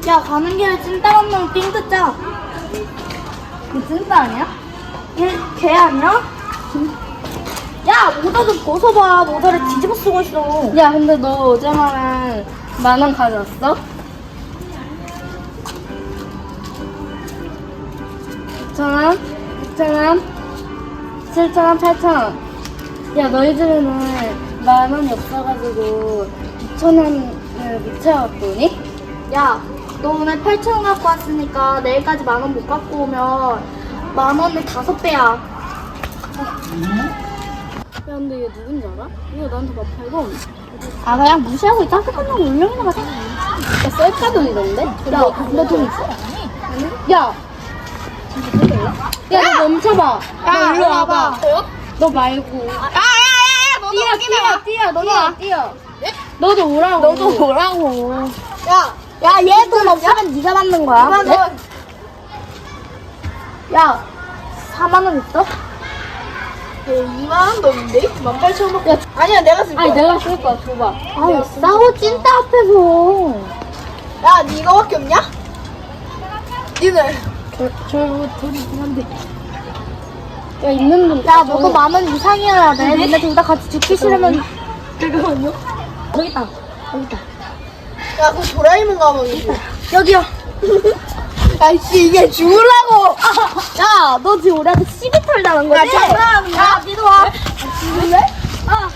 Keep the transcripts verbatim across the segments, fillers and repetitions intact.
야, 가는 길에 찐따 만나면 삥 뜯자. 그 찐따 아니야? 걔, 걔 아니야? 야, 모자 좀 벗어봐. 모자를 뒤집어 쓰고 있어. 야, 근데 너 어제만은 만 원 가져왔어? 육천 원? 육천 원? 칠천 원, 팔천 원. 야, 너희 집에는 만 원이 없어가지고 이천 원을 못 채워갖고 오니? 야, 너 오늘 팔천 원 갖고 왔으니까 내일까지 만 원 못 갖고 오면 만 원의 다섯 배야. 야, 근데 얘 누군지 알아? 이거 나한테 막 팔고. 아, 그냥 무시하고 있다. 끝나고 울렁이나 가자. 야, 셀카 돈이던데? 야, 너 돈 있어? 야! 야, 너 멈춰봐. 너 일로 와봐. 너 말고. 야야야야, 너도 뛰어, 여기 뛰어, 나와. 뛰어. 너도 뛰어. 너도 오라고. 너도 오라고. 야, 야, 얘 돈 없으면 네가 받는 거야. 이만 원. 야, 사만 원 있어? 이만 원도 없는데? 만 팔천 원. 야, 아니야, 내가 쓸 아니, 거야. 내가 쓸 거야, 줘봐. 아유, 싸워 찐따 앞에서. 야, 니 이거밖에 없냐? 니들. 저, 저, 돈이긴 한데. 야, 있는 돈. 야, 너도 만 원 이상이어야 돼. 근데 둘 다 같이 죽기 싫으면. 잠깐만요. 여기 있다. 여기 있다. 야, 그거 도라에몽 가방이지. 여기요. 야, 씨, 이게 죽으려고. 야, 너 지금 우리한테 시비 털자는 거지? 야, 장난하는 거야? 야, 니도 와. 죽을래? 아,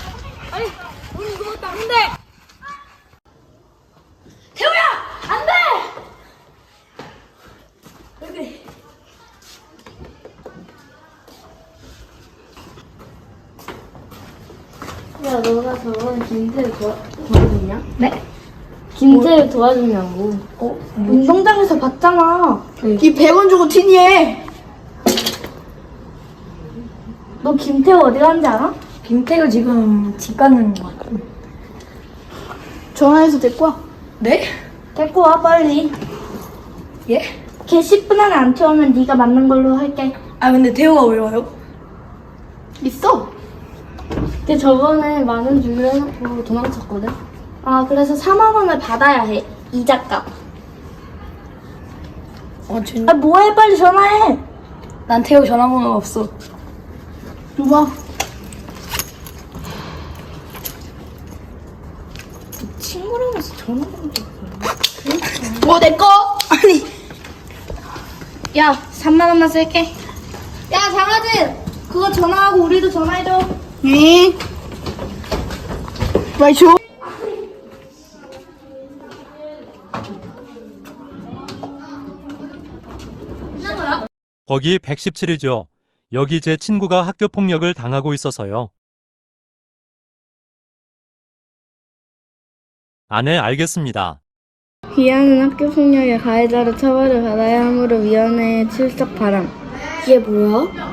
태우야! 안 돼! 야, 너가 저번에 김태를 도와, 도와줬냐? 네? 김태를 도와줬냐고. 어, 운동장에서 봤잖아. 이 백 원 주고 티니해. 너 김태우 어디 갔는지 알아? 김태가 지금 집 가는 거 같아. 전화해서 데리고 와. 네? 데리고 와, 빨리. 예? 걔 십 분 안에 안 태우면 네가 맞는 걸로 할게. 아, 근데 태호가 왜 와요? 있어. 근데 저번에 만 원 주기로 해놓고 도망쳤거든? 아, 그래서 사만 원을 받아야 해. 이자값. 어, 진 아, 뭐해? 빨리 전화해. 난 태호 전화번호가 없어. 줘봐. 친구라면서 전화번호. 뭐, 내 거? 아니. 야, 삼만 원만 쓸게. 야, 장아진! 그거 전화하고 우리도 전화해줘. 응. 빨리 줘. 거기 백십칠이죠. 여기 제 친구가 학교 폭력을 당하고 있어서요. 아, 네, 알겠습니다. 기아는 학교 폭력의 가해자로 처벌을 받아야 하므로 위원회에 출석 바람. 이게 뭐야?